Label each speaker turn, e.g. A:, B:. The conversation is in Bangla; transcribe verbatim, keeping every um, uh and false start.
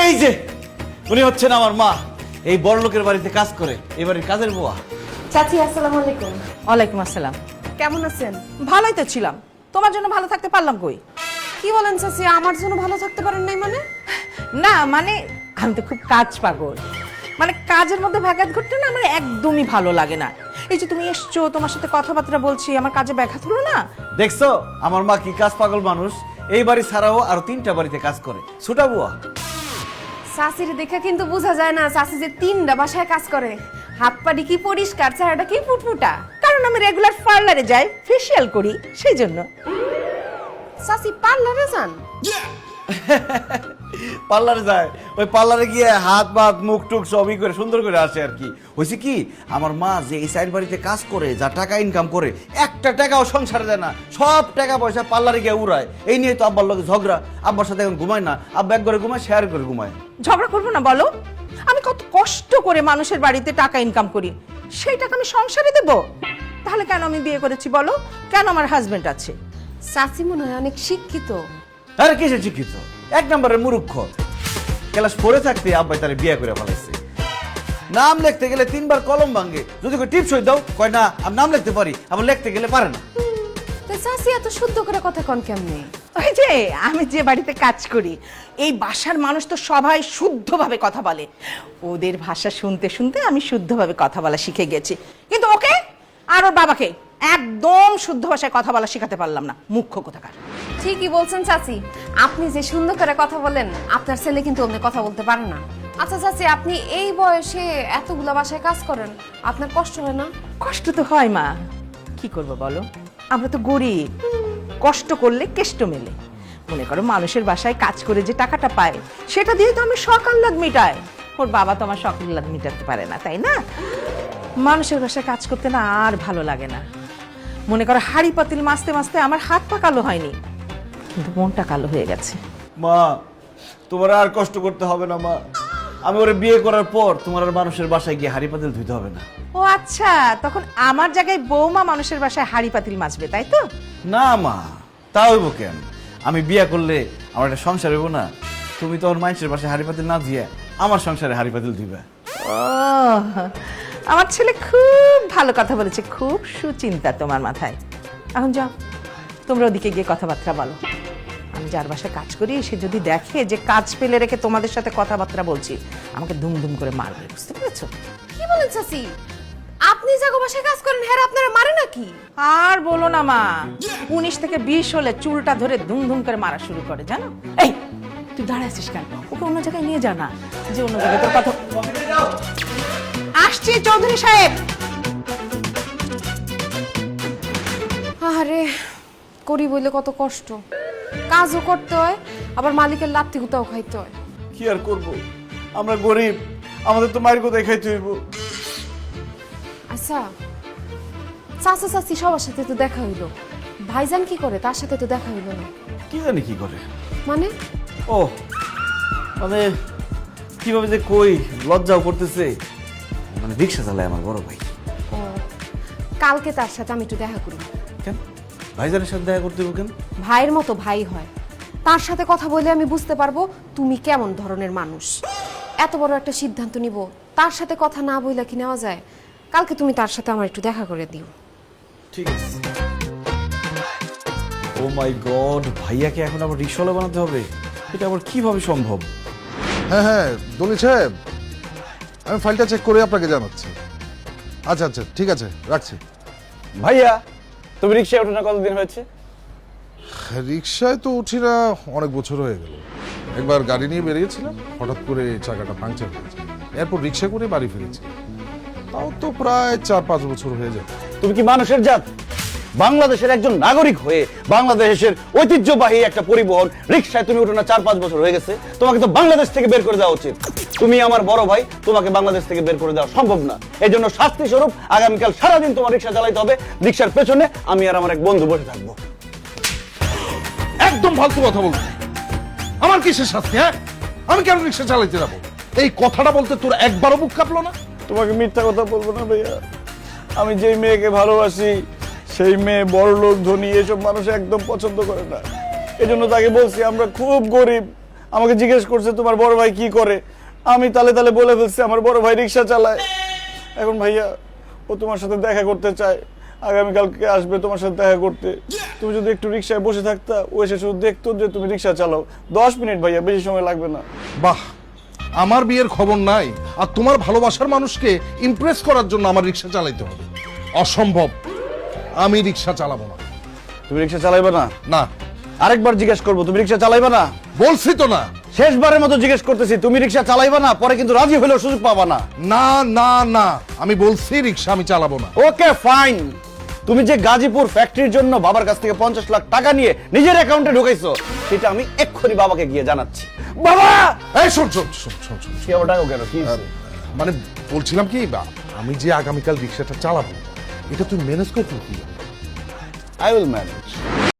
A: এই যে উনি হচ্ছেন আমার মা, এই বড় লোকের বাড়িতে কাজ করে, এই বাড়ির কাজের বুয়া।
B: চাচি আসসালামু আলাইকুম।
C: ওয়ালাইকুম আসসালাম।
B: কেমন আছেন?
C: ভালোই তো ছিলাম, তোমার জন্য ভালো থাকতে পারলাম কই?
B: কি বলেন চাচি, আমার জন্য ভালো থাকতে পারেন নাই মানে?
C: না মানে আমি তো খুব কাজ পাগল, মানে কাজের মধ্যে ব্যাঘাত ঘটলে না আমার একদমই ভালো লাগে না। এই যে তুমি এসছো, তোমার সাথে কথাবার্তা বলছি, আমার কাজে ব্যাঘাত হলো না।
A: দেখছো আমার মা কি কাজ পাগল মানুষ, এই বাড়ি ছাড়াও আরো তিনটা বাড়িতে কাজ করে, ছোটা বুয়া।
B: চাচির দেখে কিন্তু বোঝা যায় না চাচি যে তিনটা বাসায় কাজ করে। হাত পাটি কি পরিষ্কার, চেহারাটা কি ফুটফুটা।
C: কারণ আমি রেগুলার পার্লারে যাই, ফেসিয়াল করি, সেই জন্য।
B: চাচি পার্লারে যান?
A: পার্লারে যায়, ওই পার্লারে গিয়ে হাত ভাত মুখ টুক সবই করে সুন্দর করে আসে আর কি। হয়েছে কি, আমার মা যে এই সাইড বাড়িতে কাজ করে, যা টাকা ইনকাম করে, একটা টাকাও সংসারে দেয় না, সব টাকা পয়সা পার্লারে গিয়ে উড়ায়। এই নিয়ে তো আব্বার লোক ঝগড়া, আব্বার সাথে এখন ঘুমায় না, আব্বা এক ঘরে ঘুমায়, শেয়ার করে ঘুমায়।
C: ঝগড়া করবো না বলো? আমি কত কষ্ট করে মানুষের বাড়িতে টাকা ইনকাম করি, সেই টাকা আমি সংসারে দেব? তাহলে কেন আমি বিয়ে করেছি বলো? কেন আমার হাজবেন্ড আছে?
B: চাচি মনে হয় অনেক শিক্ষিত।
A: আরে কিসে শিক্ষিত, এক নম্বরের মূর্খ। ক্লাস ফোরে থাকতে আব্বাই তারে বিয়ে করে ফেলাইছে। নাম লিখতে গেলে তিনবার কলম ভাঙে, যদি কই টিপস হয়ে দাও, কয় না আমি নাম লিখতে পারি, আবার লিখতে গেলে পারে না।
B: তো চাচি এত শুদ্ধ করে কথা কন কেমনে?
C: ওই যে আমি যে বাড়িতে কাজ করি, এই বাসার মানুষ তো সবাই শুদ্ধভাবে কথা বলে। ওদের ভাষা শুনতে শুনতে আমি শুদ্ধভাবে কথা বলা শিখে গেছি। কিন্তু ওকে আর ওর বাবাকে একদম শুদ্ধ ভাষায় কথা বলা শেখাতে পারলাম না, মুখ্য কোথাকার।
B: ঠিকই বলছেন চাচি, আপনি যে সুন্দর করে কথা বলেন, আপনার ছেলে কিন্তু অমনি কথা বলতে পারে না। আচ্ছা চাচি, আপনি এই বয়সে এতগুলা বাসায় কাজ করেন, আপনার কষ্ট হয় না?
C: কষ্ট তো হয় মা, কি করব বলো, আমরা তো গরিব, কষ্ট করলে কেষ্ট মেলে। মনে করো মানুষের বাসায় কাজ করে যে টাকাটা পায়, সেটা দিয়ে তো আমি শখ আহ্লাদ মিটাই। ওর বাবা তো আমার শখ আহ্লাদ মিটাতে পারে না, তাই না? মানুষের বাসায় কাজ করতে না আর ভালো লাগে না। মনে করো হাড়ি পাতিল মাছতে মাছতে আমার হাত পা কালো হয়নি, কিন্তু মনটা কালো হয়ে গেছে।
A: মা তোমার আর কষ্ট করতে হবে না মা, আমি ওরে বিয়ে করার পর তোমার আর মানুষের বাসায় গিয়ে হাড়ি পাতিল ধুইতে হবে না।
C: ও আচ্ছা, তখন আমার জায়গায় বৌমা মানুষের বাসায় হাড়ি পাতিল মাছবে, তাই তো?
A: না মা, তা হইব কেন? আমি বিয়ে করলে আমার একটা সংসার হইব না, তুমি তো ওর মানুষের বাসায় হাড়ি পাতিল না দিয়ে আমার সংসারে হাড়ি পাতিল দিবে।
C: ও, আমার ছেলে খুব ভালো কথা বলেছে, খুব সুচিন্তা তোমার মাথায়। এখন যাও, তোমরা ওদিকে গিয়ে কথাবার্তা বলো। আমি যার বাসায় কাজ করি, সে যদি দেখে যে কাজ ফেলে রেখে তোমাদের সাথে কথাবার্তা বলছি, আমাকে দুম দুম করে মারবে, বুঝতে পেরেছো?
B: কি বলেন চাচি, আপনি যাগো বাসায় কাজ করেন, হ্যাঁ আপনারা মারে নাকি?
C: আর বলো না মা, উনিশ থেকে বিশ হলে চুলটা ধরে ধুম ধুম করে মারা শুরু করে, জানো? এই তুই দাঁড়ায় আছিস কেন? ওকে অন্য জায়গায় নিয়ে যা না, যে অন্য জায়গায় তোর কথা। আসছি চৌধুরী সাহেব।
B: আরে করি বলে কত কষ্ট, কাজও করতে হয়, আবার মালিকের লাত্তি গুতাও খাইতে হয়।
A: কি আর করব, আমরা গরিব, আমাদের তো মায়ের কোথায় খাইতে হইব।
B: আচ্ছা চাচা চাচি সবার সাথে তো দেখা হইলো, ভাইজান কি করে? তার সাথে তো দেখা হইলো না।
A: কি জানি কি করে,
B: মানে?
A: ও মানে কিভাবে যে কই, লজ্জাও করতেছে। মানে রিক্সা চালায় আমার বড় ভাই।
B: ও, কালকে তার সাথে আমি একটু দেখা করি।
A: কেন ভাইজানের সাথে দেখা করতে হইব কেন?
B: ভাইয়ের মতো ভাই হয়, তার সাথে কথা বলে আমি বুঝতে পারবো তুমি কেমন ধরনের মানুষ। এত বড় একটা সিদ্ধান্ত নিব, তার সাথে কথা না বইলা কি নেওয়া যায়? কালকে তুমি তার সাথে আমার একটু দেখা করে দিও।
A: ঠিক আছে। ও মাই গড, ভাইয়াকে এখন আবার রিক্সাওয়ালা বানাতে হবে, এটা আবার কিভাবে সম্ভব?
D: হ্যাঁ হ্যাঁ দলিল সাহেব, আমি ফাইলটা চেক করে আপনাকে জানাচ্ছি। আচ্ছা আচ্ছা ঠিক আছে, রাখছি।
A: ভাইয়া তুমি রিক্সায় ওঠো না কতদিন হয়েছে?
D: রিক্সায় তো উঠি না অনেক বছর হয়ে গেল। একবার গাড়ি নিয়ে বেরিয়েছিলাম, হঠাৎ করে চাকাটা পাংচার হয়েছে, এরপর রিক্সা করে বাড়ি ফিরেছি। তাও তো প্রায় চার পাঁচ বছর হয়ে যায়।
A: তুমি কি মানুষের জাত? বাংলাদেশের একজন নাগরিক হয়ে বাংলাদেশের ঐতিহ্যবাহী একটা পরিবহন রিক্সায় তুমি উঠো না চার পাঁচ বছর হয়ে গেছে, তোমাকে তো বাংলাদেশ থেকে বের করে দেওয়া উচিত। তুমি আমার বড় ভাই, তোমাকে বাংলাদেশ থেকে বের করে দেওয়া সম্ভব না। এই জন্য শাস্তি স্বরূপ আগামীকাল সারাদিন তোমার রিক্সা চালাইতে হবে, রিক্সার পেছনে আমি আর আমার এক বন্ধু বসে থাকবো।
D: একদম ফালতু কথা বলছি, আমার কিসের শাস্তি? হ্যাঁ, আমি কেন রিক্সা চালাইতে যাবো? এই কথাটা বলতে তোর একবারও বুক কাঁপলো না?
A: তোমাকে মিথ্যা কথা বলবো না ভাইয়া, আমি যেই মেয়েকে ভালোবাসি সেই মেয়ে বড় লোক ধনী এসব মানুষ একদম পছন্দ করে না। এই জন্য তাকে বলছি আমরা খুব গরিব, আমাকে জিজ্ঞেস করছে তোমার বড় ভাই কি করে। আমি তালে তালে বলে ফেলছি আমার বড় ভাই রিক্সা চালায়। এখন ভাইয়া ও তোমার সাথে দেখা করতে চায়, আগামীকালকে আসবে তোমার সাথে দেখা করতে। তুমি যদি একটু রিক্সায় বসে থাকতা, ও এসে শুধু দেখতো যে তুমি রিক্সা চালাও। দশ মিনিট ভাইয়া, বেশি সময় লাগবে না।
D: বাহ, আমার বিয়ের খবর নাই আর তোমার ভালোবাসার মানুষকে ইমপ্রেস করার জন্য আমার রিক্সা চালাইতে হবে? অসম্ভব, আমি রিক্সা চালাবো না।
A: তুমি রিক্সা চালাইবে না?
D: না।
A: আরেকবার জিজ্ঞেস করবো, তুমি রিক্সা চালাইবে না?
D: বলছি তো না।
A: শেষবারের মতো জিজ্ঞেস করতেছি, তুমি রিক্সা চালাইবে না? পরে কিন্তু রাজি হলেও সুযোগ পাবা না।
D: না না না, আমি বলছি রিক্সা আমি চালাবো না।
A: Okay fine. তুমি যে গাজীপুর ফ্যাক্টরির জন্য বাবার কাছ থেকে পঞ্চাশ লাখ টাকা নিয়ে নিজের অ্যাকাউন্টে ঢুকাইছো, সেটা আমি এক্ষুনি বাবাকে গিয়ে জানাচ্ছি। বাবা!
D: এই শোন শোন শোন শোন শোন
A: কি আবার ডাকো কেন? কি হয়েছে?
D: মানে বলছিলাম কি, বা, আমি যে আগামীকাল রিক্সাটা চালাবো এটা তুই ম্যানেজ করতে কি?
A: I will manage.